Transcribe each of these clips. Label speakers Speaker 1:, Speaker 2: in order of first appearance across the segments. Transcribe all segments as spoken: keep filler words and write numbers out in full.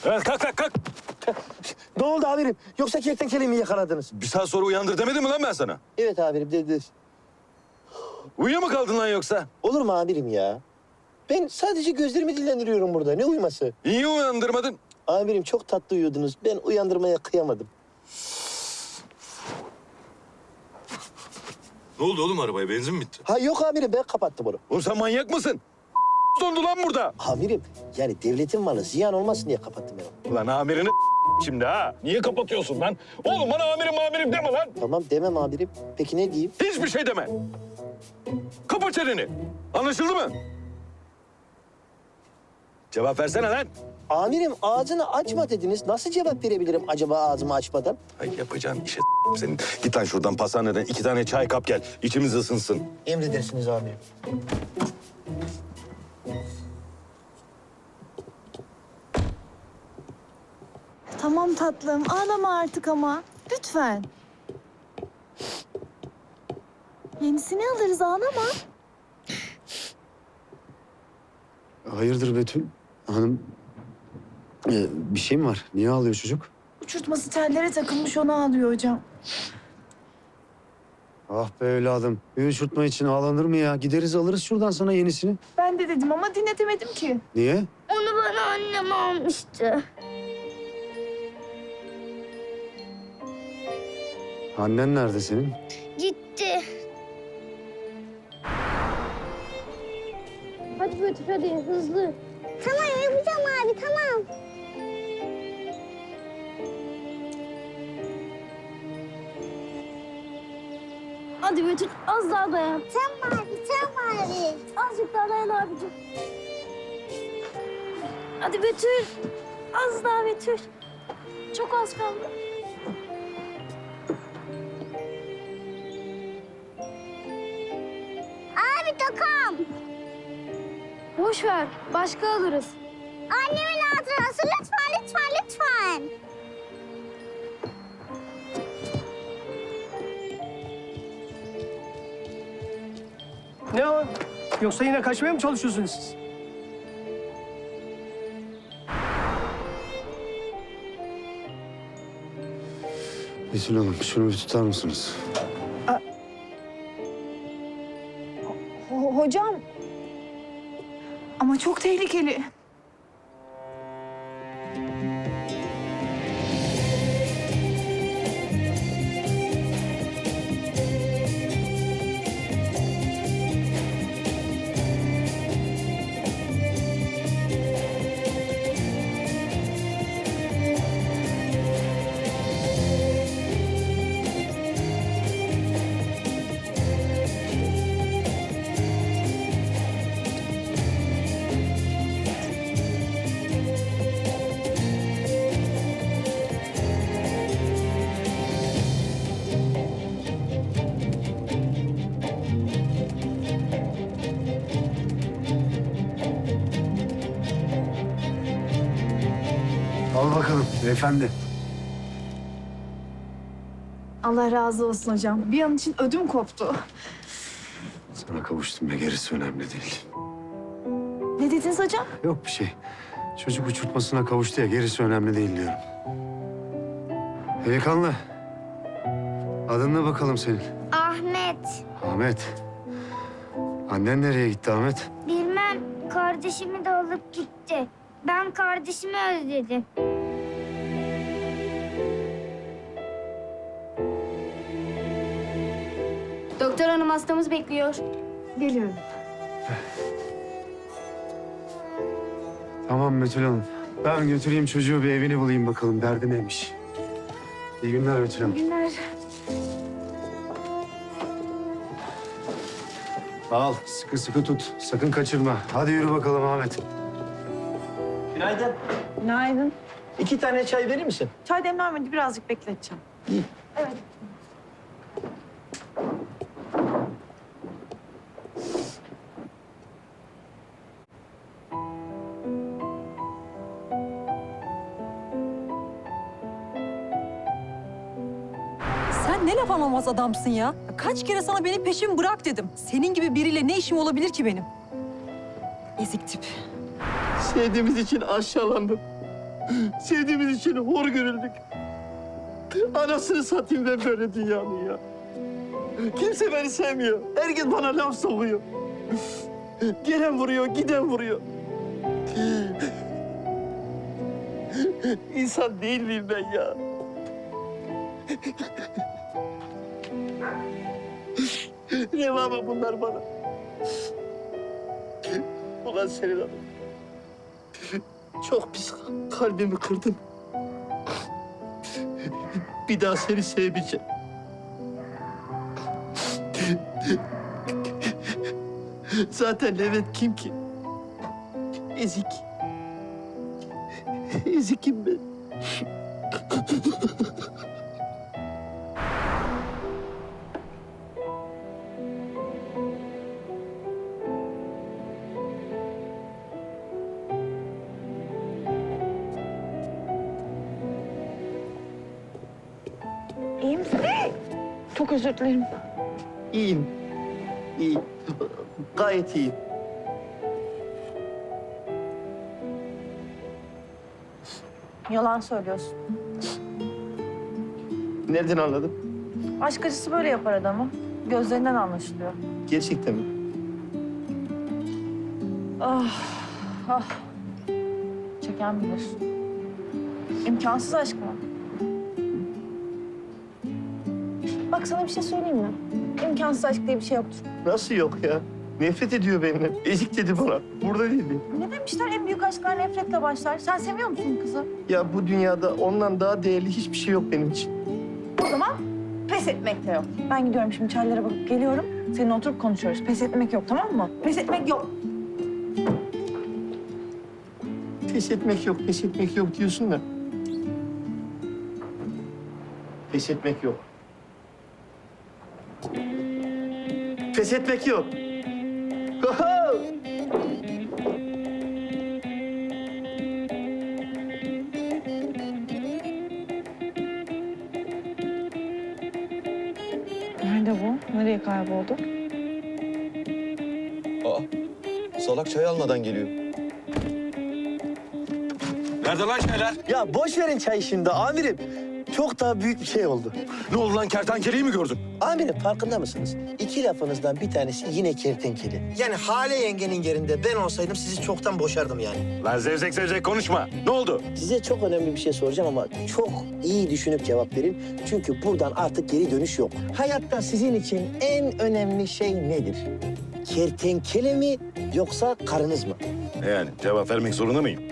Speaker 1: Evet, kalk kalk kalk.
Speaker 2: Ne oldu amirim? Yoksa kertenkeleyi mi yakaladınız?
Speaker 1: Bir saat sonra uyandır demedim mi lan ben sana?
Speaker 2: Evet amirim dediniz.
Speaker 1: Uyuyor mu kaldın lan yoksa?
Speaker 2: Olur mu amirim ya? Ben sadece gözlerimi dinlendiriyorum burada. Ne uyuması?
Speaker 1: Niye uyandırmadın?
Speaker 2: Amirim çok tatlı uyuyordunuz. Ben uyandırmaya kıyamadım.
Speaker 1: Ne oldu oğlum arabaya? Benzin mi bitti?
Speaker 2: Ha yok amirim ben kapattım onu.
Speaker 1: Oğlum sen manyak mısın? Dondu lan burada.
Speaker 2: Amirim yani devletin malı ziyan olmasın diye kapattım ben onu.
Speaker 1: Ulan amirini şimdi ha. Niye kapatıyorsun lan? Oğlum bana amirim amirim deme lan.
Speaker 2: Tamam demem amirim. Peki ne diyeyim?
Speaker 1: Hiçbir şey deme. Kapa çeneni. Anlaşıldı mı? Cevap versene lan.
Speaker 2: Amirim ağzını açma dediniz. Nasıl cevap verebilirim acaba ağzımı açmadan?
Speaker 1: Ay yapacağın işe senin. Git lan şuradan pastaneden iki tane çay kap gel. İçimiz ısınsın.
Speaker 2: Emredersiniz amirim.
Speaker 3: Tamam tatlım, ağlama artık ama. Lütfen. Yenisini alırız, ağlama.
Speaker 4: Hayırdır Betül? Hanım, ee, bir şey mi var? Niye ağlıyor çocuk?
Speaker 3: Uçurtması tellere takılmış, onu ağlıyor hocam.
Speaker 4: Ah be evladım. Bir uçurtma için ağlanır mı ya? Gideriz alırız şuradan sana yenisini.
Speaker 3: Ben de dedim ama dinletemedim ki.
Speaker 4: Niye?
Speaker 5: Onu bana annem almıştı.
Speaker 4: Annen nerede senin?
Speaker 5: Gitti. Hadi Betül hadi hızlı. Tamam yapacağım abi tamam. Hadi Betül az daha dayan. Tamam abi tamam abi. Azıcık daha dayan abicim. Hadi Betül. Az daha Betül. Çok az kaldı. Abi takam. Boş ver. Başka alırız. Annemin hatırası lütfen lütfen lütfen.
Speaker 6: Ne o? Yoksa yine kaçmaya mı çalışıyorsunuz siz?
Speaker 4: Betül Hanım şunu bir tutar mısınız?
Speaker 3: Ho- hocam. Ama çok tehlikeli.
Speaker 4: Al bakalım beyefendi.
Speaker 3: Allah razı olsun hocam. Bir an için ödüm koptu.
Speaker 4: Sana kavuştum ya gerisi önemli değil.
Speaker 3: Ne dediniz hocam?
Speaker 4: Yok bir şey. Çocuk uçurtmasına kavuştu ya gerisi önemli değil diyorum. Delikanlı. Adın ne bakalım senin?
Speaker 5: Ahmet.
Speaker 4: Ahmet. Annen nereye gitti Ahmet?
Speaker 5: Bilmem kardeşimi de alıp gitti. Ben kardeşimi özledim. Doktor hanım hastamız bekliyor.
Speaker 3: Geliyorum.
Speaker 4: Tamam Betül Hanım. Ben götüreyim çocuğu bir evini bulayım bakalım. Derdi neymiş? İyi günler Betül Hanım.
Speaker 3: İyi günler.
Speaker 4: Al sıkı sıkı tut. Sakın kaçırma. Hadi yürü bakalım Ahmet.
Speaker 2: Günaydın.
Speaker 3: Günaydın.
Speaker 2: İki tane çay verir misin?
Speaker 3: Çay demlenmedi, birazcık bekleteceğim. Evet.
Speaker 7: Sen ne laf anlamaz adamsın ya. Kaç kere sana benim peşimi bırak dedim. Senin gibi biriyle ne işim olabilir ki benim? Ezik tip.
Speaker 2: Sevdiğimiz için aşağılandım. Sevdiğimiz için hor görüldük. Anasını satayım ben böyle dünyanın ya. Kimse beni sevmiyor. Herkes bana laf sokuyor. Gelen vuruyor, giden vuruyor. İnsan değil miyim ben ya? Reva mı bunlar bana? Ulan senin hanım. Çok pis kalbimi kırdın. Bir daha seni sevmeyeceğim. Zaten Levent kim ki? Ezik. Ezikim ben.
Speaker 8: İyi misin? Çok özür dilerim.
Speaker 2: İyiyim. İyiyim. Gayet iyiyim.
Speaker 8: Yalan söylüyorsun.
Speaker 2: Nereden anladın?
Speaker 8: Aşk acısı böyle yapar adamı. Gözlerinden anlaşılıyor.
Speaker 2: Gerçekten mi?
Speaker 8: Ah, ah. Çeken bilir. İmkansız aşk mı? Bak sana bir şey söyleyeyim mi? İmkansız aşk diye bir şey yoktur.
Speaker 2: Nasıl yok ya? Nefret ediyor benimle. Ezik dedi bana. Burada değildi.
Speaker 8: Ne demişler en büyük aşklar nefretle başlar. Sen seviyor musun kızı?
Speaker 2: Ya bu dünyada ondan daha değerli hiçbir şey yok benim için.
Speaker 8: O zaman pes etmek de yok. Ben gidiyorum şimdi çaylara bakıp geliyorum. Seninle oturup konuşuyoruz. Pes etmek yok, tamam mı? Pes etmek yok.
Speaker 2: Pes etmek yok, pes etmek yok diyorsun da. Pes etmek yok. Pes etmek yok. Oho!
Speaker 8: Nerede bu? Nereye kayboldu?
Speaker 1: Aa, salak çay almadan geliyor. Nerede lan şeyler?
Speaker 2: Ya boş verin çayı şimdi amirim. Çok daha büyük bir şey oldu.
Speaker 1: Ne oldu lan, kertenkeleyi mi gördün?
Speaker 2: Amirim farkında mısınız? İki lafınızdan bir tanesi yine kertenkele. Yani Hale yengenin yerinde ben olsaydım sizi çoktan boşardım yani.
Speaker 1: Lan zevzek zevzek konuşma. Ne oldu?
Speaker 2: Size çok önemli bir şey soracağım ama çok iyi düşünüp cevap verin. Çünkü buradan artık geri dönüş yok. Hayatta sizin için en önemli şey nedir? Kertenkele mi yoksa karınız mı?
Speaker 1: Yani cevap vermek zorunda mıyım?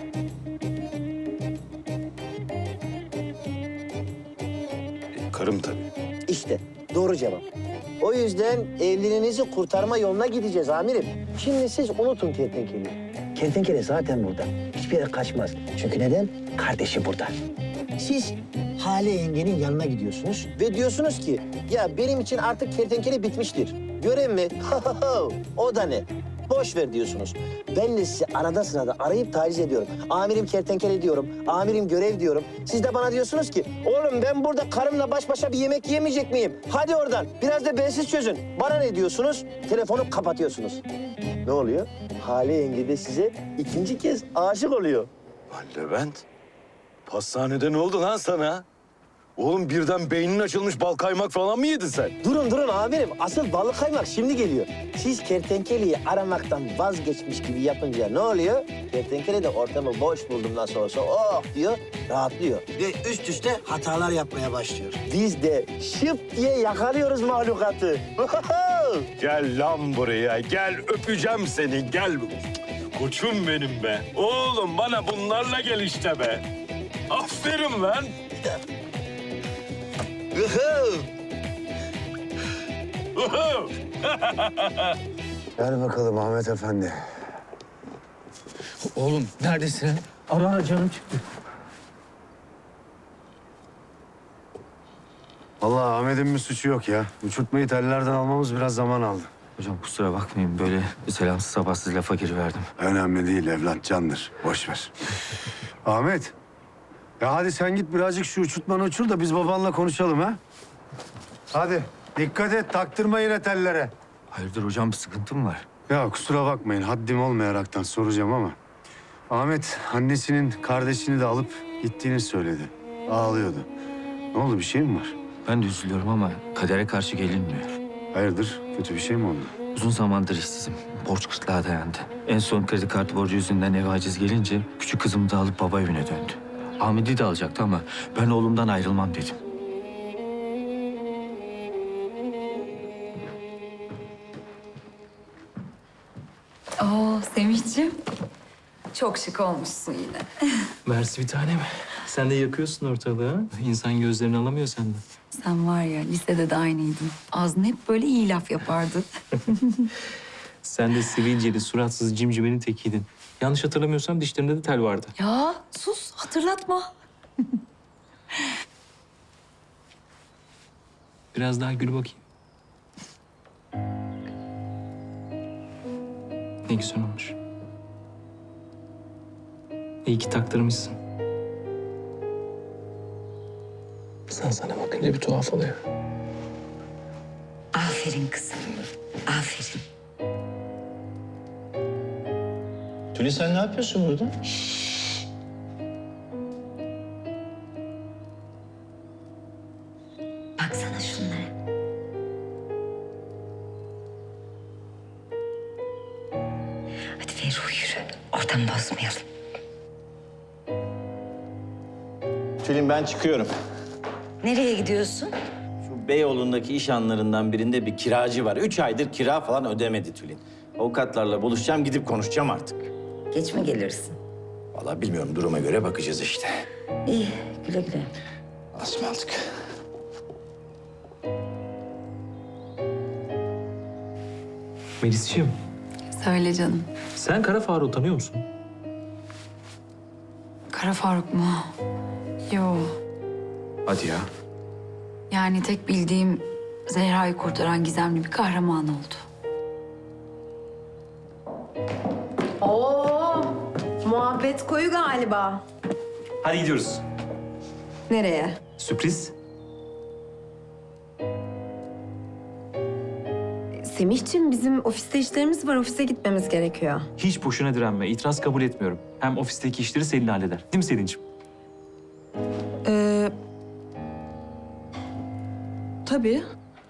Speaker 1: E, karım tabii.
Speaker 2: İşte doğru cevap. O yüzden evliliğinizi kurtarma yoluna gideceğiz amirim. Şimdi siz unutun kertenkeleyi. Kertenkele zaten burada. Hiçbir yere kaçmaz. Çünkü neden? Kardeşi burada. Siz Hale yengenin yanına gidiyorsunuz ve diyorsunuz ki ya benim için artık kertenkele bitmiştir. Görev mi? O da ne? Boş ver diyorsunuz. Ben de sizi arada sırada arayıp taciz ediyorum. Amirim kertenkele diyorum, amirim görev diyorum. Siz de bana diyorsunuz ki, oğlum ben burada karımla baş başa bir yemek yemeyecek miyim? Hadi oradan, biraz da bensiz çözün. Bana ne diyorsunuz? Telefonu kapatıyorsunuz. Ne oluyor? Hale yenge de size ikinci kez aşık oluyor.
Speaker 1: Lan Levent, pastanede ne oldu lan sana? Oğlum birden beynin açılmış, bal kaymak falan mı yedin sen?
Speaker 2: Durun durun amirim, asıl balık kaymak şimdi geliyor. Siz kertenkeleyi aramaktan vazgeçmiş gibi yapınca ne oluyor? Kertenkele de ortamı boş buldum nasıl olsa oh diyor, rahatlıyor. Ve üst üste hatalar yapmaya başlıyor. Biz de şıp diye yakalıyoruz mahlukatı.
Speaker 1: Gel lan buraya, gel öpeceğim seni, gel. Koçum benim be. Oğlum bana bunlarla gel işte be. Aferin lan.
Speaker 4: Gel bakalım Ahmet Efendi.
Speaker 9: Oğlum neredesin?
Speaker 6: Ara canım çıktı.
Speaker 4: Vallahi Ahmet'in bir suçu yok ya. Uçurtmayı tellerden almamız biraz zaman aldı.
Speaker 9: Hocam kusura bakmayın böyle selamsız sabahsız lafa giriverdim.
Speaker 4: Önemli değil evlat, candır. Boş ver. Ahmet. Ya hadi sen git birazcık şu uçurtmanı uçur da biz babanla konuşalım ha. Hadi dikkat et, taktırma yine tellere.
Speaker 9: Hayırdır hocam bir sıkıntı mı var?
Speaker 4: Ya kusura bakmayın haddim olmayaraktan soracağım ama... Ahmet annesinin kardeşini de alıp Gittiğini söyledi. Ağlıyordu. Ne oldu, bir şey mi var?
Speaker 9: Ben de üzülüyorum ama kadere karşı gelinmiyor.
Speaker 4: Hayırdır, kötü bir şey mi oldu?
Speaker 9: Uzun zamandır işsizim. Borç kıtlığa dayandı. En son kredi kartı borcu yüzünden eve aciz gelince küçük kızımı da alıp baba evine döndü. Ahmet'i de alacaktı ama ben oğlumdan ayrılmam dedim.
Speaker 10: Oo Semihciğim. Çok şık olmuşsun yine.
Speaker 11: Mersi bir tanem. Sen de yakıyorsun ortalığı ha? İnsan gözlerini alamıyor senden.
Speaker 10: Sen var ya lisede de aynıydın. Ağzın hep böyle iyi laf yapardı.
Speaker 11: Sen de sivilceli, suratsız cimcimenin tekiydin. Yanlış hatırlamıyorsam dişlerinde de tel vardı.
Speaker 10: Ya sus hatırlatma.
Speaker 11: Biraz daha gül bakayım. Ne güzel olmuş. İyi ki taktırmışsın. Sen sana bakınca bir tuhaf oluyor.
Speaker 10: Aferin kızım. Aferin.
Speaker 12: Tülin sen ne yapıyorsun burada?
Speaker 10: Baksana şunlara. Hadi Ferruh yürü. Oradan bozmayalım.
Speaker 12: Tülin ben çıkıyorum.
Speaker 10: Nereye gidiyorsun?
Speaker 12: Şu Beyoğlu'ndaki iş anlarından birinde bir kiracı var. Üç aydır kira falan ödemedi Tülin. Avukatlarla buluşacağım, gidip konuşacağım artık.
Speaker 10: Geç mi gelirsin?
Speaker 12: Vallahi bilmiyorum, duruma göre bakacağız işte.
Speaker 10: İyi güle güle.
Speaker 12: Asmaldık.
Speaker 11: Melisciğim,
Speaker 10: Söyle canım.
Speaker 11: sen Kara Faruk'u tanıyor musun?
Speaker 10: Kara Faruk mu? Yo.
Speaker 9: Hadi ya.
Speaker 10: Yani tek bildiğim Zehra'yı kurtaran gizemli bir kahraman oldu.
Speaker 8: Oo, muhabbet koyu galiba.
Speaker 11: Hadi gidiyoruz.
Speaker 8: Nereye?
Speaker 11: Sürpriz.
Speaker 8: Semihciğim bizim ofiste işlerimiz var. Ofise gitmemiz gerekiyor.
Speaker 11: Hiç boşuna direnme. İtiraz kabul etmiyorum. Hem ofisteki işleri Selin halleder. Değil mi Selin'ciğim?
Speaker 8: Ee, tabii.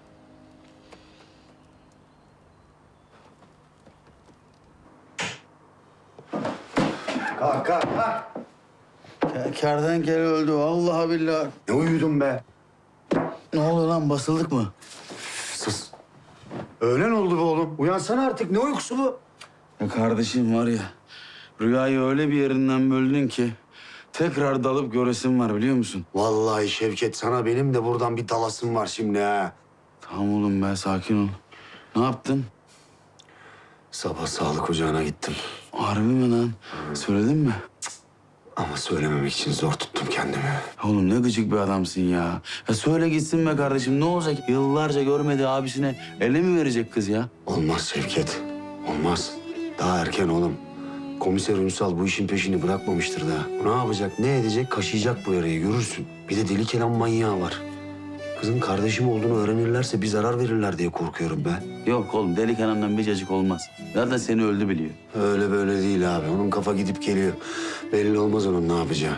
Speaker 4: Kalk, kalk, kalk.
Speaker 12: Kertenkele öldü, vallahi billahi.
Speaker 4: Ne uyudun be?
Speaker 12: Ne oluyor lan, basıldık mı?
Speaker 4: Sus. Öğlen oldu be oğlum. Uyansana artık. Ne uykusu bu?
Speaker 12: Ya kardeşim var ya, rüyayı öyle bir yerinden böldün ki... tekrar dalıp göresim var, biliyor musun?
Speaker 4: Vallahi Şevket, sana benim de buradan bir dalasım var şimdi ha.
Speaker 12: Tamam oğlum be, sakin ol. Ne yaptın?
Speaker 4: Sabah sağlık ocağına gittim.
Speaker 12: Harbi mi lan? Söyledin mi?
Speaker 4: Ama söylememek için zor tuttum kendimi.
Speaker 12: Oğlum ne gıcık bir adamsın ya. Ya söyle gitsin be kardeşim, ne olacak? Yıllarca görmediği abisine ele mi verecek kız ya?
Speaker 4: Olmaz Şevket, olmaz. Daha erken oğlum. Komiser Ünsal bu işin peşini bırakmamıştır daha. Ne yapacak, ne edecek? Kaşıyacak bu yarayı, görürsün. Bir de deli kelam manyağı var. Kızın kardeşim olduğunu öğrenirlerse bir zarar verirler diye korkuyorum ben.
Speaker 12: Yok oğlum, deli kenarından bir cacık olmaz. Zaten seni öldü biliyor.
Speaker 4: Öyle böyle değil abi. Onun kafa gidip geliyor. Belli olmaz onun ne yapacağı.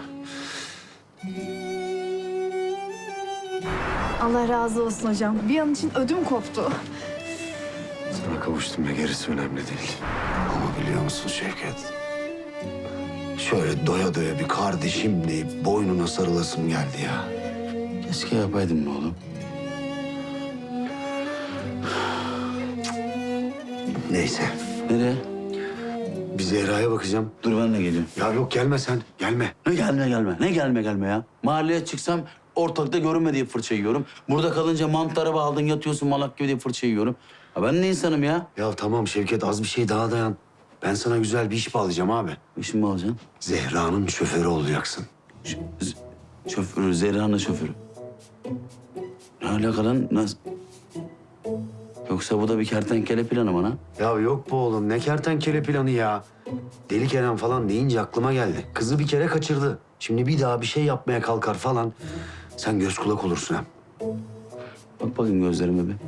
Speaker 3: Allah razı olsun hocam. Bir an için ödüm koptu.
Speaker 4: Sana kavuştum ve gerisi önemli değil. Ama biliyor musun Şevket? Şöyle doya doya bir kardeşim deyip boynuna sarılasım geldi ya.
Speaker 12: Keşke yapaydın mı oğlum?
Speaker 4: Neyse.
Speaker 12: Nereye?
Speaker 4: Bir Zehra'ya bakacağım.
Speaker 12: Dur ben de geliyorum.
Speaker 4: Ya yok gelme sen. Gelme.
Speaker 12: Ne gelme gelme, ne gelme gelme ya. Mahalleye çıksam ortalıkta görünme diye fırça yiyorum. Burada kalınca mantara bağladın yatıyorsun malak gibi diye fırça yiyorum. Ha ben ne insanım ya?
Speaker 4: Ya tamam Şevket, az bir şey daha dayan. Ben sana güzel bir iş bağlayacağım abi.
Speaker 12: İşin mi alacaksın?
Speaker 4: Zehra'nın şoförü olacaksın.
Speaker 12: Ş- z- şoförü, Zehra'nın şoförü. Ne alaka lan? Nasıl? Yoksa bu da bir kertenkele planı bana.
Speaker 4: Ya yok bu oğlum, ne kertenkele planı ya. Deli Kenan falan deyince aklıma geldi. Kızı bir kere kaçırdı. Şimdi bir daha bir şey yapmaya kalkar falan. Sen göz kulak olursun hem.
Speaker 12: Bak bakayım gözlerime bir.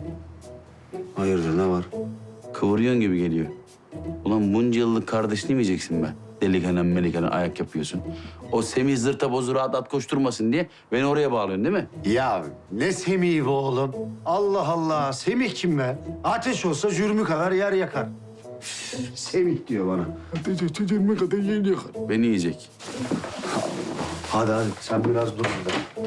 Speaker 4: Hayırdır, ne var?
Speaker 12: Kıvırıyorsun gibi geliyor. Ulan bunca yıllık kardeş demeyeceksin be. delikenen melikenen ayak yapıyorsun. O Semih zırta bozu rahat at koşturmasın diye beni oraya bağlıyorsun değil mi?
Speaker 4: Ya ne Semih be oğlum? Allah Allah. Semih kim be? Ateş olsa jürmü kadar yer yakar. Üf, Semih diyor bana. Ateş olsa jürmü kadar yer yakar.
Speaker 12: Beni yiyecek.
Speaker 4: Hadi hadi sen biraz dur burada.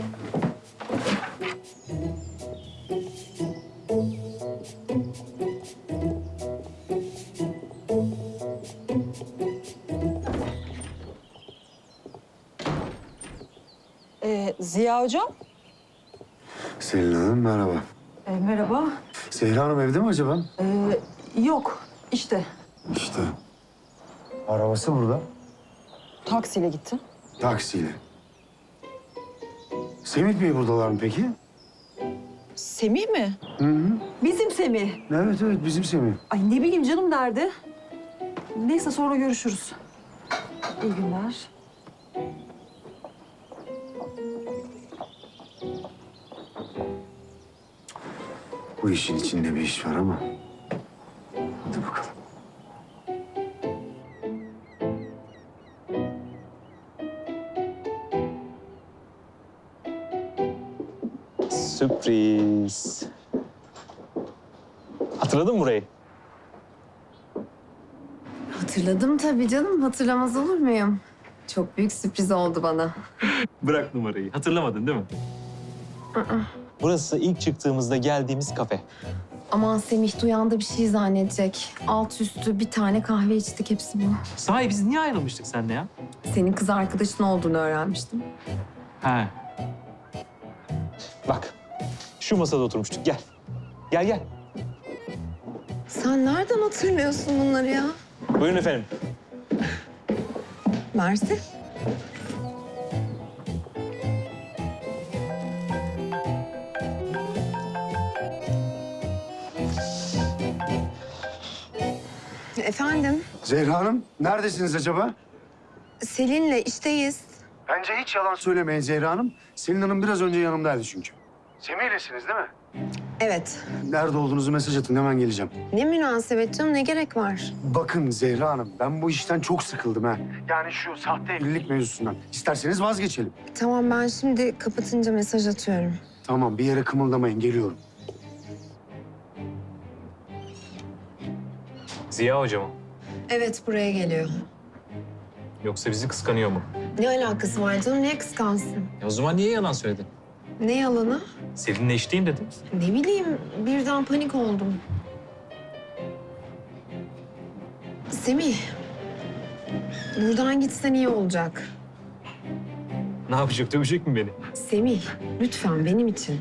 Speaker 7: Ee, Ziya Hocam.
Speaker 4: Selin Hanım merhaba.
Speaker 7: Ee, merhaba.
Speaker 4: Zehra Hanım evde mi acaba?
Speaker 7: Ee, yok işte
Speaker 4: İşte. Arabası burada.
Speaker 7: taksiyle gitti.
Speaker 4: Taksiyle. Semih Bey buradalar mı peki?
Speaker 7: Semih mi?
Speaker 4: Hı hı.
Speaker 7: Bizim Semih.
Speaker 4: Evet evet bizim Semih.
Speaker 7: Ay ne bileyim canım nerede? Neyse sonra görüşürüz. İyi günler.
Speaker 4: Bu işin içinde bir iş var ama. Hadi bakalım.
Speaker 11: Sürpriz. Hatırladın mı burayı?
Speaker 3: Hatırladım tabii canım. Hatırlamaz olur muyum? Çok büyük sürpriz oldu bana.
Speaker 11: Bırak numarayı. Hatırlamadın değil mi? Burası ilk çıktığımızda geldiğimiz kafe.
Speaker 3: Aman Semih duyan da bir şey zannedecek. Alt üstü bir tane kahve içtik, hepsi bu.
Speaker 11: Sahi biz niye ayrılmıştık seninle ya?
Speaker 3: Senin kız arkadaşın olduğunu öğrenmiştim.
Speaker 11: He. Bak, şu masada oturmuştuk. Gel. Gel gel.
Speaker 3: Sen nereden hatırlıyorsun bunları ya?
Speaker 11: Buyurun efendim.
Speaker 3: Mersi. Efendim,
Speaker 4: Zehra Hanım neredesiniz acaba?
Speaker 3: Selin'le işteyiz.
Speaker 4: Bence hiç yalan söylemeyin Zehra Hanım. Selin Hanım biraz önce yanımdaydı çünkü. Semih'lesiniz değil mi?
Speaker 3: Evet.
Speaker 4: Nerede olduğunuzu mesaj atın hemen geleceğim.
Speaker 3: Ne münasebet canım, ne gerek var?
Speaker 4: Bakın Zehra Hanım ben bu işten çok sıkıldım ha. Yani şu sahte evlilik mevzusundan. İsterseniz vazgeçelim.
Speaker 3: Tamam, ben şimdi kapatınca mesaj atıyorum.
Speaker 4: Tamam bir yere kımıldamayın geliyorum.
Speaker 11: Ziya Hoca mı?
Speaker 3: Evet, buraya geliyor.
Speaker 11: Yoksa bizi kıskanıyor mu?
Speaker 3: Ne alakası var canım, niye kıskansın?
Speaker 11: E o zaman niye yalan söyledin?
Speaker 3: Ne yalanı?
Speaker 11: Selin'le işteyim dedim.
Speaker 3: Ne bileyim, birden panik oldum. Semih, buradan gitsen iyi olacak.
Speaker 11: Ne yapacak? Dövecek mi beni?
Speaker 3: Semih, lütfen benim için.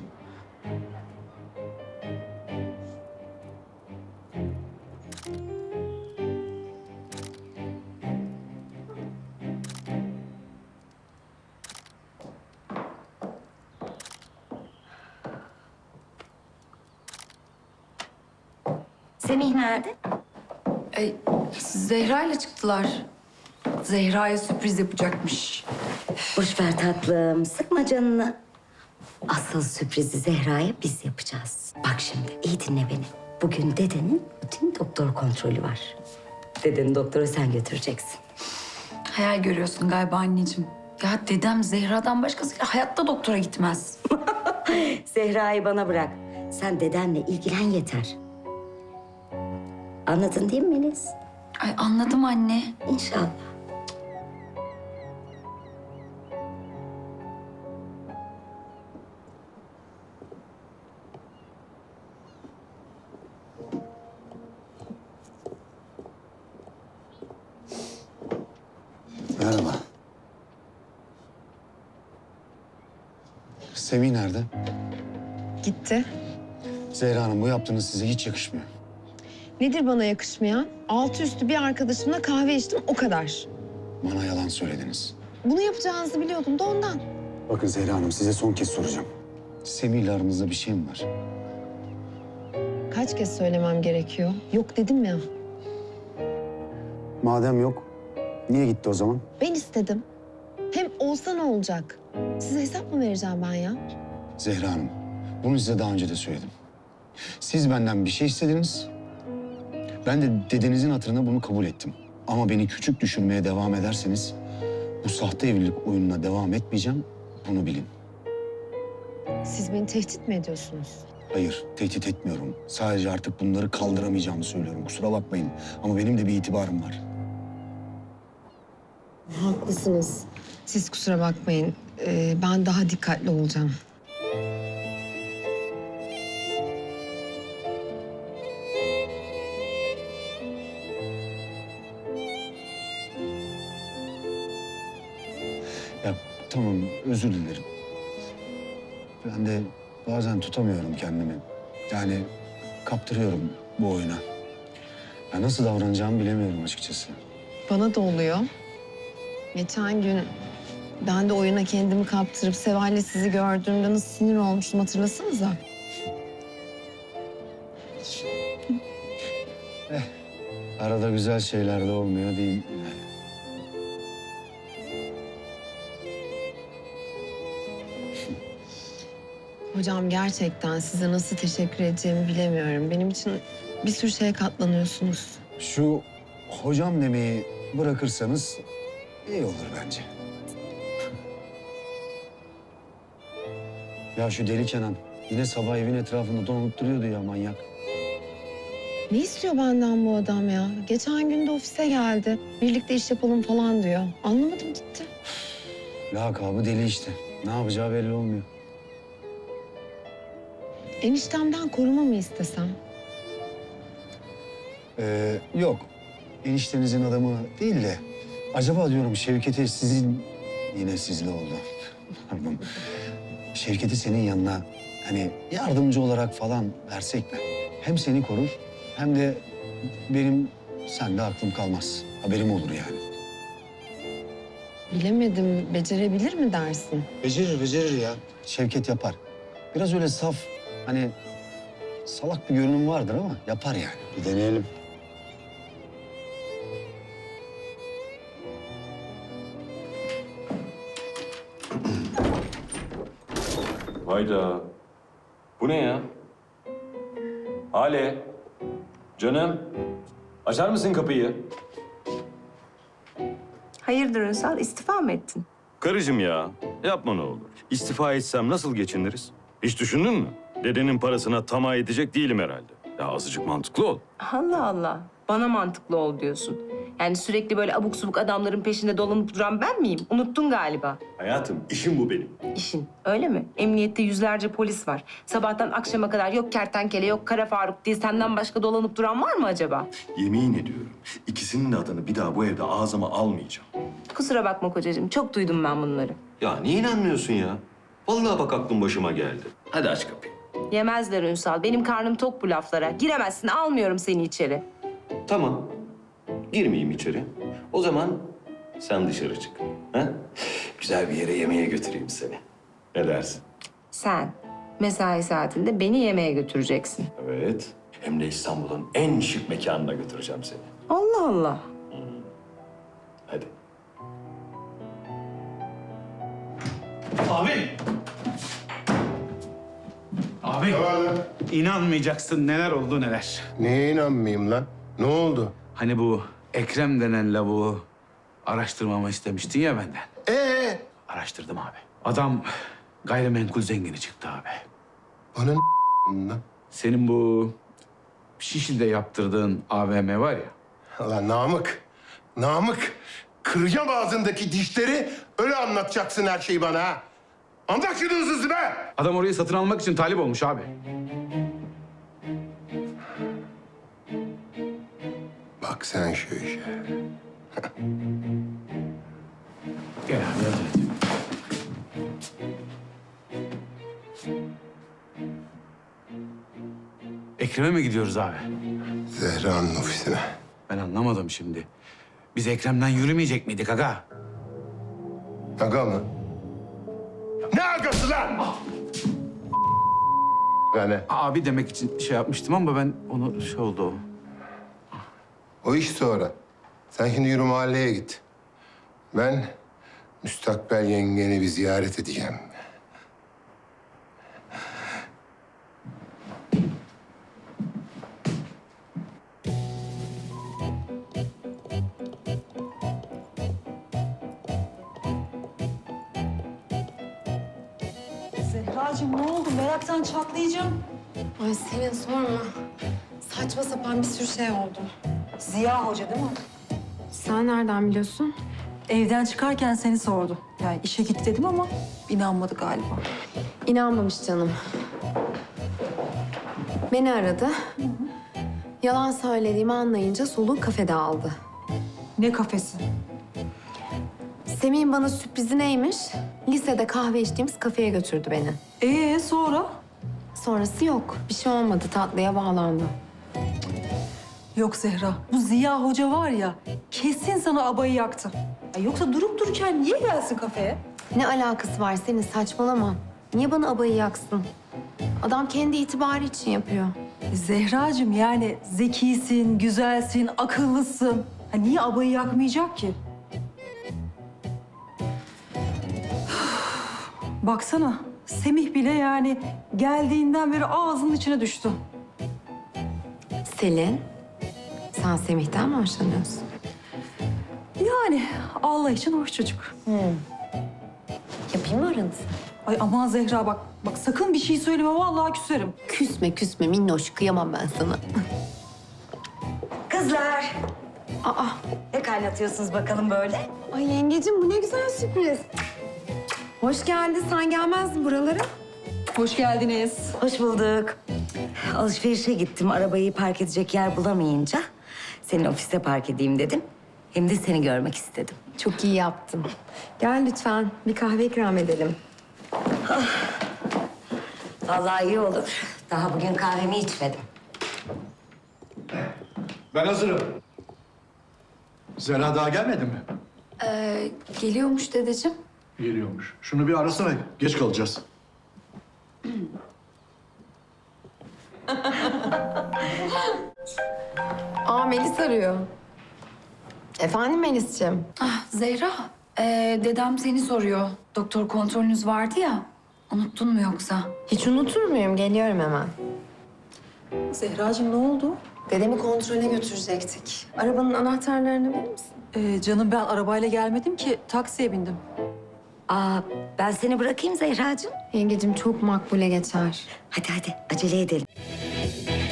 Speaker 10: Semih nerede? E, Zehra ile çıktılar. Zehra'ya sürpriz yapacakmış.
Speaker 13: Boş ver tatlım, sıkma canını. Asıl sürprizi Zehra'ya biz yapacağız. Bak şimdi, iyi dinle beni. Bugün dedenin rutin doktor kontrolü var. Dedenin doktora sen götüreceksin.
Speaker 10: Hayal görüyorsun galiba anneciğim. Ya dedem Zehra'dan başkasıyla hayatta doktora gitmez.
Speaker 13: Zehra'yı bana bırak. Sen dedenle ilgilen yeter. Anladın değil mi Melis?
Speaker 10: Ay anladım anne.
Speaker 13: İnşallah.
Speaker 4: Merhaba. Semih nerede?
Speaker 3: Gitti.
Speaker 4: Zehra Hanım bu yaptığınız size hiç yakışmıyor.
Speaker 3: Nedir bana yakışmayan? Altı üstü bir arkadaşımla kahve içtim, o kadar.
Speaker 4: Bana yalan söylediniz.
Speaker 3: Bunu yapacağınızı biliyordum da ondan.
Speaker 4: Bakın Zehra Hanım size son kez soracağım. Semih ile aranızda bir şey mi var?
Speaker 3: Kaç kez söylemem gerekiyor? Yok dedim ya.
Speaker 4: Madem yok, niye gitti o zaman?
Speaker 3: Ben istedim. Hem olsa ne olacak? Size hesap mı vereceğim ben ya?
Speaker 4: Zehra Hanım, bunu size daha önce de söyledim. Siz benden bir şey istediniz. Ben de dedenizin hatırına bunu kabul ettim. Ama beni küçük düşürmeye devam ederseniz bu sahte evlilik oyununa devam etmeyeceğim. Bunu bilin.
Speaker 3: Siz beni tehdit mi ediyorsunuz?
Speaker 4: Hayır, tehdit etmiyorum. Sadece artık bunları kaldıramayacağımı söylüyorum. Kusura bakmayın ama benim de bir itibarım var.
Speaker 3: Haklısınız. Siz kusura bakmayın. Ee, ben daha dikkatli olacağım.
Speaker 4: Ya tamam, özür dilerim. Ben de bazen tutamıyorum kendimi. Yani kaptırıyorum bu oyuna. Ya nasıl davranacağımı bilemiyorum açıkçası.
Speaker 3: Bana da oluyor. Geçen gün ben de oyuna kendimi kaptırıp Seval'le sizi gördüğümde nasıl sinir olmuştum hatırlasanıza.
Speaker 4: Arada güzel şeyler de olmuyor değil.
Speaker 3: Hocam gerçekten size nasıl teşekkür edeceğimi bilemiyorum. Benim için bir sürü şeye katlanıyorsunuz.
Speaker 4: Şu hocam demeyi bırakırsanız iyi olur bence. Ya şu deli Kenan yine sabah evin etrafında dolanıp duruyordu ya, manyak.
Speaker 3: Ne istiyor benden bu adam ya? Geçen gün de ofise geldi. Birlikte iş yapalım falan diyor. Anlamadım gitti.
Speaker 4: Lakabı deli işte. Ne yapacağı belli olmuyor.
Speaker 3: Eniştemden koruma mı istesem?
Speaker 4: Ee, yok. Eniştenizin adamı değil de... Acaba diyorum Şevket'i sizin... Yine sizle oldu. Pardon. Şevket'i senin yanına hani yardımcı olarak falan versek mi? Hem seni korur hem de benim sende aklım kalmaz. Haberim olur yani.
Speaker 3: Bilemedim. Becerebilir mi dersin?
Speaker 4: Becerir, becerir ya. Şevket yapar. Biraz öyle saf, hani salak bir görünüm vardır ama yapar yani. Bir deneyelim.
Speaker 1: Hayda. Bu ne ya? Hale. Canım. Açar mısın kapıyı?
Speaker 8: Hayırdır Ünsal, istifa mı ettin?
Speaker 1: Karıcığım ya. Yapma ne olur. İstifa etsem nasıl geçiniriz? Hiç düşündün mü? Dedenin parasına tamah edecek değilim herhalde. Ya azıcık mantıklı ol.
Speaker 8: Allah Allah, bana mantıklı ol diyorsun. Yani sürekli böyle abuk subuk adamların peşinde dolanıp duran ben miyim? Unuttun galiba.
Speaker 1: Hayatım işim bu benim.
Speaker 8: İşin, öyle mi? Emniyette yüzlerce polis var. Sabahtan akşama kadar yok kertenkele, yok Kara Faruk diye senden başka dolanıp duran var mı acaba?
Speaker 1: Yemin ediyorum ikisinin de adını bir daha bu evde ağzıma almayacağım.
Speaker 8: Kusura bakma kocacığım, çok duydum ben bunları.
Speaker 1: Ya niye inanmıyorsun ya? Vallahi bak aklım başıma geldi. Hadi aç kapıyı.
Speaker 8: Yemezler Ünsal, benim karnım tok bu laflara. Giremezsin, almıyorum seni içeri.
Speaker 1: Tamam. Girmeyeyim içeri. O zaman sen dışarı çık. Ha? Güzel bir yere yemeğe götüreyim seni. Ne dersin?
Speaker 8: Sen mesai saatinde beni yemeğe götüreceksin.
Speaker 1: Evet. Hem de İstanbul'un en şık mekanına götüreceğim seni.
Speaker 8: Allah Allah.
Speaker 1: Hadi.
Speaker 14: Abi! Abi! İnanmayacaksın neler oldu neler.
Speaker 15: Neye inanmayayım lan? Ne oldu?
Speaker 14: Hani bu Ekrem denen lavuğu araştırmamı istemiştin ya benden.
Speaker 15: Ee?
Speaker 14: Araştırdım abi. Adam gayrimenkul zengini çıktı abi.
Speaker 15: Bana ne lan?
Speaker 14: Senin bu Şişli'de yaptırdığın A V M var ya.
Speaker 15: Lan Namık, Namık. Kıracağım ağzındaki dişleri, öyle anlatacaksın her şeyi bana ha. Anlat şunu hızlı hızlı be!
Speaker 14: Adam orayı satın almak için talip olmuş abi.
Speaker 15: Bak sen şu işe.
Speaker 14: Gel abi hadi. Ekrem'e mi gidiyoruz abi?
Speaker 15: Zehra'nın ofisine.
Speaker 14: Ben anlamadım şimdi. Biz Ekrem'den yürümeyecek miydik aga?
Speaker 15: Aga mı? Ne agası lan? Yani
Speaker 14: Abi demek için şey yapmıştım ama ben onu şey oldu o.
Speaker 15: o iş sonra. Sen şimdi yürü mahalleye git. Ben müstakbel yengeni bir ziyaret edeceğim.
Speaker 7: Zehracığım ne oldu? Meraktan çatlayacağım.
Speaker 3: Ay Selin sorma. Saçma sapan bir sürü şey oldu.
Speaker 7: Ziya Hoca değil mi?
Speaker 3: Sen nereden biliyorsun?
Speaker 7: Evden çıkarken seni sordu. Yani işe git dedim ama inanmadı galiba.
Speaker 3: İnanmamış canım. Beni aradı. Yalan söylediğimi anlayınca soluğu kafede aldı.
Speaker 7: Ne kafesi?
Speaker 3: Semih'in bana sürprizi neymiş? Lisede kahve içtiğimiz kafeye götürdü beni.
Speaker 7: Ee sonra?
Speaker 3: Sonrası yok. Bir şey olmadı. Tatlıya bağlandı.
Speaker 7: Yok Zehra, bu Ziya Hoca var ya kesin sana abayı yaktı. Ya yoksa durup dururken niye gelsin kafeye?
Speaker 3: Ne alakası var senin? Saçmalama. Niye bana abayı yaksın? Adam kendi itibarı için yapıyor.
Speaker 7: Zehracığım yani zekisin, güzelsin, akıllısın. Ha, niye abayı yakmayacak ki? Baksana Semih bile yani geldiğinden beri ağzının içine düştü.
Speaker 3: Selin, sen Semih'ten mi hoşlanıyorsun?
Speaker 7: Yani Allah için hoş çocuk.
Speaker 3: Yapayım mı aranızı?
Speaker 7: Ay aman Zehra bak, bak sakın bir şey söyleme vallahi küserim.
Speaker 3: Küsme küsme minnoş. Kıyamam ben sana.
Speaker 13: Kızlar,
Speaker 3: Aa,
Speaker 13: ne kaynatıyorsunuz bakalım böyle?
Speaker 3: ay yengecim bu ne güzel sürpriz. Hoş geldin. Sen gelmezdin buralara.
Speaker 7: Hoş geldiniz.
Speaker 13: Hoş bulduk. Alışverişe gittim. Arabayı park edecek yer bulamayınca senin ofiste park edeyim dedim. Hem de seni görmek istedim.
Speaker 3: Çok iyi yaptın. Gel lütfen. Bir kahve ikram edelim.
Speaker 13: Vallahi iyi olur. Daha bugün kahvemi içmedim.
Speaker 16: Ben hazırım. Zehra daha gelmedi mi?
Speaker 10: Ee, geliyormuş dedeciğim.
Speaker 16: Geliyormuş. Şunu bir arasana. Geç kalacağız.
Speaker 3: Aa Melis arıyor. Efendim Melis'ciğim?
Speaker 10: Ah Zehra, ee, dedem seni soruyor. Doktor kontrolünüz vardı ya. Unuttun mu yoksa?
Speaker 3: Hiç unutur muyum? Geliyorum hemen.
Speaker 7: Zehracığım ne oldu?
Speaker 3: Dedemi kontrole götürecektik. Arabanın anahtarlarını verir misin?
Speaker 7: Ee, canım ben arabayla gelmedim ki taksiye bindim.
Speaker 13: Aa, ben seni bırakayım Zehracığım.
Speaker 3: Yengecim çok makbule geçer.
Speaker 13: Hadi hadi acele edelim.